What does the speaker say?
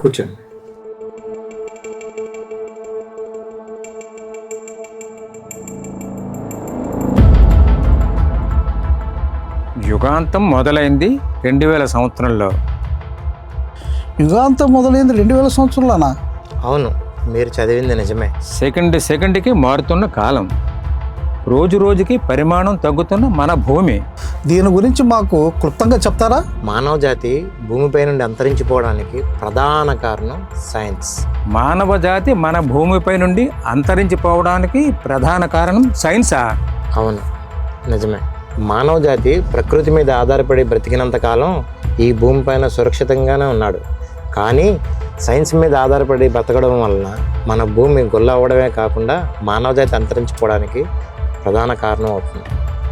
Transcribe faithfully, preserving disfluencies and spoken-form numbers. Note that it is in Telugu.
కూర్చోండి. యుగాంతం మొదలైంది రెండు వేల సంవత్సరంలో. యుగాంతం మొదలైంది రెండు వేల సంవత్సరంలోనా? అవును, మీరు చదివింది నిజమే. సెకండ్ సెకండ్కి మారుతున్న కాలం, రోజు రోజుకి పరిమాణం తగ్గుతున్న మన భూమి. దీని గురించి మాకు క్లుప్తంగా చెప్తారా? మానవ జాతి భూమిపై నుండి అంతరించిపోవడానికి ప్రధాన కారణం సైన్స్. మానవ జాతి మన భూమిపై నుండి అంతరించిపోవడానికి ప్రధాన కారణం సైన్సా? అవును, నిజమే. మానవ జాతి ప్రకృతి మీద ఆధారపడి బ్రతికినంత కాలం ఈ భూమిపైన సురక్షితంగానే ఉన్నాడు. కానీ సైన్స్ మీద ఆధారపడి బ్రతకడం వలన మన భూమి గొల్ల అవ్వడమే కాకుండా మానవ జాతి అంతరించిపోవడానికి ప్రధాన కారణం అవుతుంది.